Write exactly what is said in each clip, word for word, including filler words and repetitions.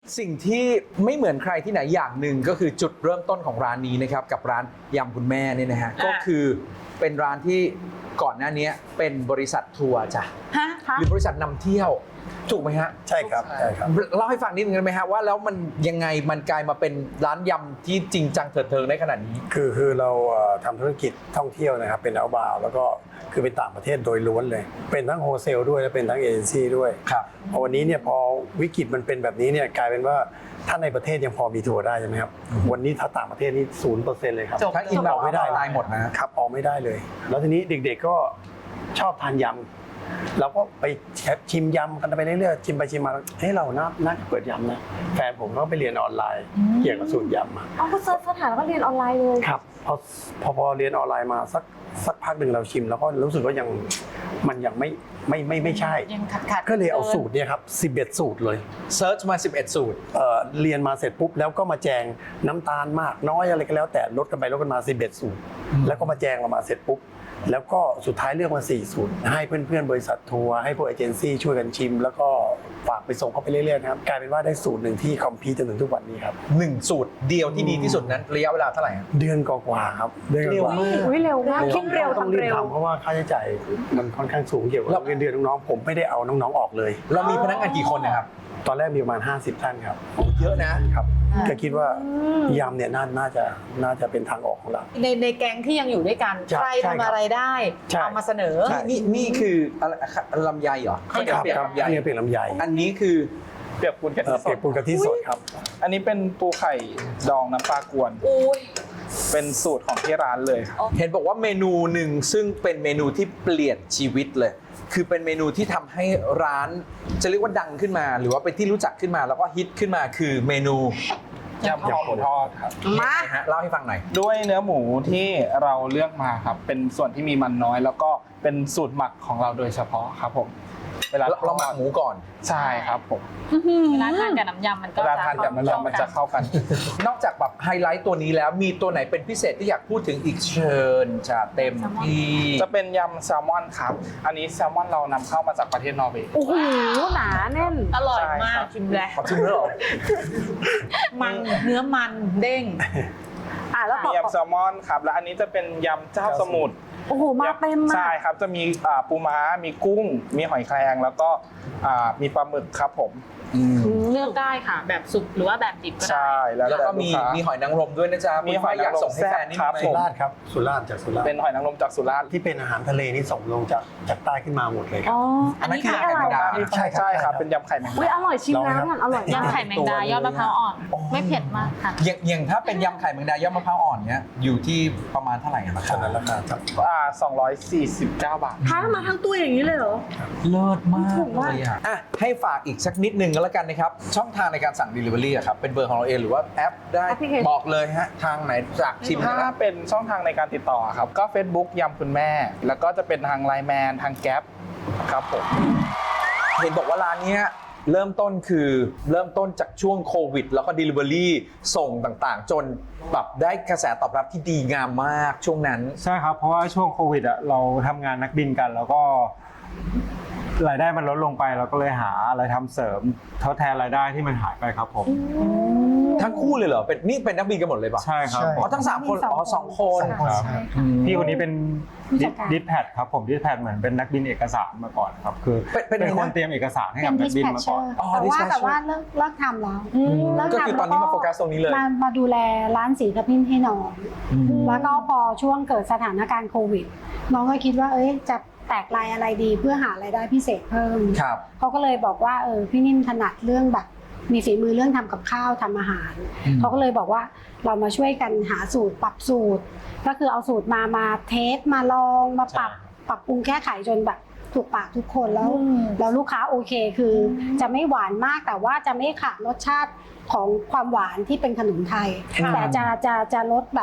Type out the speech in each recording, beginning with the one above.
สิ่งที่ไม่เหมือนใครที่ไหนอย่างหนึ่งก็คือจุดเริ่มต้นของร้านนี้นะครับกับร้านยำคุณแม่เนี่ยนะฮะก็คือเป็นร้านที่ก่อนหน้านี้เป็นบริษัททัวร์จ้ะฮะหรือบริษัทนำเที่ยวถูกไหมฮะใช่ครับใช่ครับเล่าให้ฟังนิดนึงได้ไหมฮะว่าแล้วมันยังไงมันกลายมาเป็นร้านยำที่จริงจังเถิดเทิงได้ขนาดนี้คือคือเราเอ่อทำธุรกิจท่องเที่ยวนะครับเป็นเอาบาวแล้วก็คือเป็นต่างประเทศโดยล้วนเลย เป็นทั้งโฮเซลด้วยและเป็นทั้งเอเจนซี่ด้วยครับพอวันนี้เนี่ยพอวิกฤตมันเป็นแบบนี้เนี่ยกลายเป็นว่าถ้าในประเทศยังพอมีทัวร์ได้ใช่ไหมครับวันนี้ถ้าต่างประเทศนี่ศูนย์เปอร์เซ็นต์เลยครับจบถ้าอินอแบบอกไม่ได้ตายหมดนะครับออกไม่ได้เลย แล้วทีนี้เด็กๆก็ชอบทานยำเราก็ไปชิมยำกันไปเรื่อยๆชิมไปชิมมาเฮ้ยเราน่าน่าจะเปิดยำนะแฟนผมก็ไปเรียนออนไลน์เกี่ยวกับสูตรยำมาเอาก็เซิร์ชสถานแล้วก็เรียนออนไลน์เลยครับพอพอพอเรียนออนไลน์มาสักสักพักหนึ่งเราชิม แล้วก็รู้สึกว่ายังมันยังไม่ไม่ไม่ไม่ใช่ยังขัดขัดก็เลยเอาสูตรเนี่ยครับสิบเอ็ดสูตรเลยเซิร์ชมาสิบเอ็ดสูตรเอ่อเรียนมาเสร็จปุ๊บแล้วก็มาแจงน้ำตาลมากน้อยอะไรก็แล้วแต่ลดกันไปลดกันมาสิบเอ็ดสูตร แล้วก็มาแจงเรามาเสร็จปุ๊บแล้วก็สุดท้ายเลือกมาสี่สูตรให้เพื่อนๆบริษัททัวร์ให้พวกเอเจนซี่ช่วยกันชิม แล้วก็ฝากไปส่งเขาไปเรื่อยๆนะครับกลายเป็นว่าได้สูตรหนึ่งที่คอมพีทจนถึงทุกวันนี้ครับหนึ่งสูตรเดียวที่ดีที่สุดนั้นระยะเวลาเท่าไหร่ฮะเดือนกว่าๆครับเดือนกว่าๆอุ้ยเร็วมากคิดเร็วต้องทำรีบเร็วทำเพราะว่าค่าใช้จ่ายมันค่อนข้างสูงเกี่ยวกับเงินเดือนน้องๆผมไม่ได้เอาน้องๆออกเลยเรามีพนักงานกี่คนนะครับตอนแรกมีประมาณห้าสิบท่านครับเยอะนะครับก็คิดว่ายำเนี่ยน่าน่าจะน่าจะเป็นทางออกของเราในในแก๊งที่ยังอยู่ด้วยกันใช่ใครใช่ครับทำอะไรได้ใช่เอามาเสนอใช่นี่นี่คืออะไรลำไยเหรอคข้าวรับเหนียวเปียกครับลำไยอันนี้เป็นลำไยอันนี้คือเปียกปูนกะเอ่ทิอสเปียดกปูนกะทิสดครับอันนี้เป็นปูไข่ดองน้ำปลากวนอุ้ยเป็นสูตรของที่ร้านเลยครับเห็นบอกว่าเมนูหนึ่งซึ่งเป็นเมนูที่เปลี่ยนชีวิตเลย คือเป็นเมนูที่ทำให้ร้านจะเรียกว่าดังขึ้นมา หรือว่าเป็นที่รู้จักขึ้นมาแล้วก็ฮิตขึ้นมาคือเมนูยำคอหมูทอดครับมาฮะเล่าให้ฟังหน่อยด้วยเนื้อหมูที่เราเลือกมาครับ เป็นส่วนที่มีมันน้อย แล้วก็เป็นสูตรหมักของเราโดยเฉพาะครับผม เวลาเราหมักหมูก่อนใช่ครับผมเวลาทานกับน้ำยำมันก็เวลาทานกับน้ำยำมันจะเข้ากันนอกจากแบบไฮไลท์ตัวนี้แล้วมีตัวไหนเป็นพิเศษที่อยากพูดถึงอีกเชิญจะเต็มที่จะเป็นยำแซลมอนครับ อันนี้แซลมอนเรานำเข้ามาจากประเทศนอร์เวย์โอ้โหหนาแน่นอร่อยใช่มาครักบชิมแล้วขอชิมด้วยเหรอมันเนื้อมันเด้งอ่ะแล้วมีต่อยำแซลมอนครับ และอันนี้จะเป็นยำเจ้าสมุทรโอ้โหมาเต็มมาใช่กครับ จะมีอ่าปูม้า มีกุ้ง มีหอยแครงแล้วก็อ่ามีปลาหมึกครับผมเลือกได้ค่ะ แบบสุกหรือว่าแบบดิบก็ได้ใช่ แล้วแล้วก็มีต่ลูค้ามีหอยนางรมด้วยนะจ๊ะมีคุณหอยฝ้ายอยากนางรมส่งให้แฟนนี่แซ่บครับไหมสุราษฎร์ครับสุราษฎร์จากสุราษฎเป็นร์หอยนางรมจากสุราษฎร์ที่เป็นอาหารทะเลนี่ส่งลงจากจากใต้ขึ้นมาหมดเลยครัอ๋บออันนั้นคืออันนี้ไข่แมงดาใช่ครับใช่ครับ เป็นยำไข่แมงอุ้ยดาอร่อยชิมลองไหมแล้วครับมันอร่อยมากยำไข่แมงดายอดมะพร้าวอ่อน ไม่เผ็ดมากค่ะอย่างอย่างถ้าเป็นยำไข่แมงดายอดมะพร้าวอ่อนเนี้ยอยู่ที่ประมาณเท่าไหร่อะราขคานาดราคาครับอ่าสองร้อยสี่สิบเก้าบาทท้ามาทั้งตัวอย่างนี้เลยเหรอเลิศมากถูกเลมากยอ่ะอ่ะให้ฝากอีกสักนิดนึงก็แล้วกันนะครับ ช่องทางในการสั่ง Delivery อะครับเป็นเบอร์ของเราเองหรือว่าแอปได้แอปพลิเคชันบอกเลยฮะทางไหนจากชิมถ้านะครับเป็นช่องทางในการติดต่อครับ ก็ Facebook ยำคุณแม่ แล้วก็จะเป็นทางไลน์แมนทางแก๊ปครับผมเห็นบอกว่าร้านเนี้ยเริ่มต้นคือเริ่มต้นจากช่วงโควิด แล้วก็ Delivery ส่งต่างๆ จนแบบได้กระแสตอบรับที่ดีงามมากช่วงนั้นใช่ครับ เพราะว่าช่วงโควิดอ่ะเราทำงานนักบินกัน แล้วก็รายได้มันลดลงไปเราก็เลยหาอะไรทำเสริมทดแทนรายได้ที่มันหายไปครับผมทั้งคู่เลยเหรอเป็นนี่เป็นนักบินกันหมดเลยปะใช่ครับอ๋อทั้งสามคนอ๋อสองคนครับอืมพี่คนนี้เป็นผู้จัดการดิสแพดครับผมดิสแพดเหมือนเป็นนักบินเอกสารมาก่อนครับคือเป็นเป็นเป็นไงนะคนเตรียมเอกสารให้เป็กับนนักบินมาก่อน dispatcher อ๋อแต่ว่า dispatcher แต่ว่าเลิกเลิกทำแล้วเลิกก็ทำคือตอนนี้มาโฟกัสตรงนี้เลยมามาดูแลร้านสีกระพิ้นให้น้องอืมแล้วก็พอช่วงเกิดสถานการณ์โควิด น้องก็คิดว่าเอ้ยจะแตกลายอะไรดีเพื่อหารายได้พิเศษเพิ่มครับเขาก็เลยบอกว่าเออพี่นิ่มถนัดเรื่องแบบมีฝีมือเรื่องทำกับข้าวทำอาหารอืมเขาก็เลยบอกว่าเรามาช่วยกันหาสูตรปรับสูตร ก็คือเอาสูตรมามาเทสมาลองมาปรับปรับปรุงแก้ไขจนแบบถูกปากทุกคนแล้ว แล้วลูกค้าโอเคคือจะไม่หวานมากแต่ว่าจะไม่ขาดรสชาติของความหวานที่เป็นขนมไทยค่ะแต่จะจะจะลดแบบ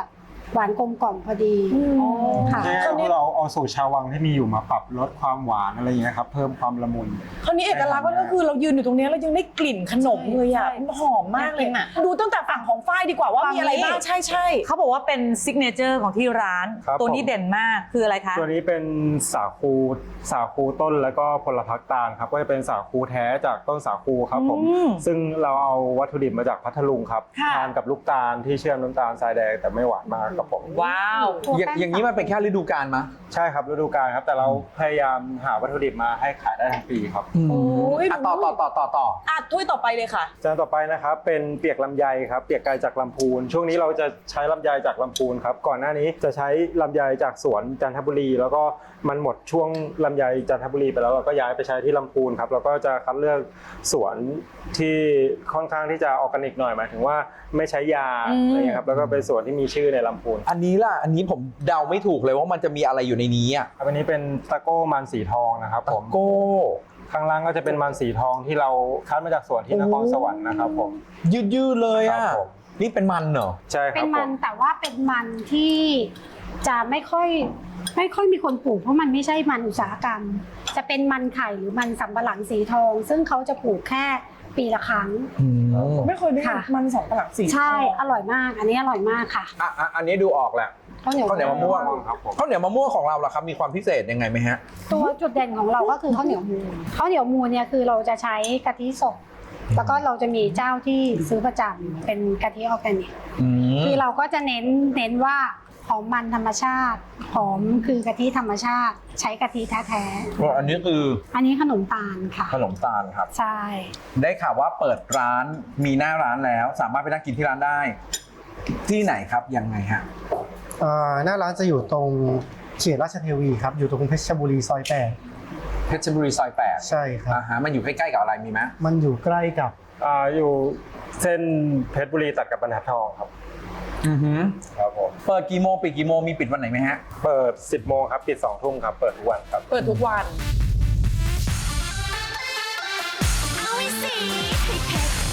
หวานกลมกล่อมพอดีค่ะใช่ครับเราเอาสูตรชาววังที่มีอยู่มาปรับลดความหวานอะไรอย่างเงี้ยครับเพิ่มความละมุนคราวนี้เอกลักษณ์ก็คือเรายืนอยู่ตรงนี้แล้วยังได้กลิ่นขนมเลยอ่ะใช่มันหอมมากเลยอยากกินอะดูตั้งแต่ฝั่งของฝ้ายดีกว่าว่ามีอะไรบ้างใช่ใช่เขาบอกว่าเป็นซิกเนเจอร์ของที่ร้านครับตัวนี้ผมเด่นมากคืออะไรคะตัวนี้เป็นสาคูสาคูต้นแล้วก็ผลพักตาลครับก็จะเป็นสาคูแท้จากต้นสาคูครับผมอืมซึ่งเราเอาวัตถุดิบมาจากพัทลุงครับค่ะทานกับลูกตาลที่เชื่อมน้ำตาลทรายแดงแต่ไม่หวานมากครับผมว้าวอย่างอย่างนี้มันเป็นแค่ฤดูกาลมะใช่ครับฤดูกาลครับแต่เราพยายามหาวัตถุดิบมาให้ขายได้ทั้งปีครับอืมโอ้ยอ่ะต่อต่อต่อต่อต่ออ่ะถ้วยต่อไปเลยค่ะจานต่อไปนะครับเป็นเปียกลำไยครับเปียกไก่จากลำพูน ช่วงนี้เราจะใช้ลำไยจากลำพูนครับก่อนหน้านี้จะใช้ลำไยจากสวนจันทบุรี แล้วก็มันหมดช่วงลำไยจันทบุรีไปแล้วเราก็ย้ายไปใช้ที่ลำพูนครับแล้วก็จะคัดเลือกสวนที่ค่อนข้างที่จะออร์แกนิกหน่อยหมายถึงว่าไม่ใช้ยาอืมอะไรเงี้ยครับแล้วก็เป็นสวนที่มีชื่อในลำพูนอันนี้ล่ะ อันนี้ผมเดาไม่ถูกเลยว่ามันจะมีอะไรอยู่ในนี้อ่ะครับอันนี้เป็นตะโก้มันสีทองนะครับผมโก้ข้างล่างก็จะเป็นมันสีทองที่เราคัดมาจากสวนที่นครสวรรค์นะครับผมยืดยืดๆเลยครัอ่ะบผมนี่เป็นมันเหรอใช่คเป็รับนผมันมแต่ว่าเป็นมันที่จะไม่ค่อยไม่ค่อยมีคนปลูกเพราะมันไม่ใช่มันอุตสาหกรรม จะเป็นมันไข่หรือมันสำปะหลังสีทอง ซึ่งเขาจะปลูกแค่ปีละครั้งอืมไม่เคยได้ค่ะมันสองปลักสีใช่อร่อยมาก อันนี้อร่อยมากค่ะอ่ะอ่ะอันนี้ดูออกแหละข้าวเหนียวข้าวเหนียวมะม่วงครับผมข้าวเหนียวมะม่วงของเราล่ะครับมีความพิเศษยังไงไหมฮะตัวจุดเด่นของเราก็คือข้าวเหนียวมูลข้าวเหนียวมูลเนี่ยคือเราจะใช้กะทิสดแล้วก็เราจะมีเจ้าที่ซื้อประจำเป็นกะทิออร์แกนิกอืมคือเราก็จะเน้นเน้นว่าหอมมันธรรมชาติหอมคือกะทิธรรมชาติ ใช้กะทิแท้อันนี้คือๆอันนี้ขนมตาลค่ะขนมตาลครับใช่ได้ข่าวว่าเปิดร้านมีหน้าร้านแล้ว สามารถไปนั่งกินที่ร้านได้ ที่ไหนครับยังไงฮะอ่าหน้าร้านจะอยู่ตรงเขตราชเทวีครับ อยู่ตรงเพชรบุรีซอยแปดเพชรบุรีซอยแปดใช่ครับอ่าฮะมันอยู่ใกล้ๆกับอะไรมีไหมมันอยู่ใกล้กับอ่าอยู่เส้นเพชรบุรีตัดกับบรรทัดทองครับอือฮึครับผมเปิดกี่โมงปิดกี่โมงมีปิดวันไหนไหมฮะเปิด สิบโมงครับปิดสองทุ่มครับเปิดทุกวันครับเปิดทุกวันเอาไว้สิให้เพชร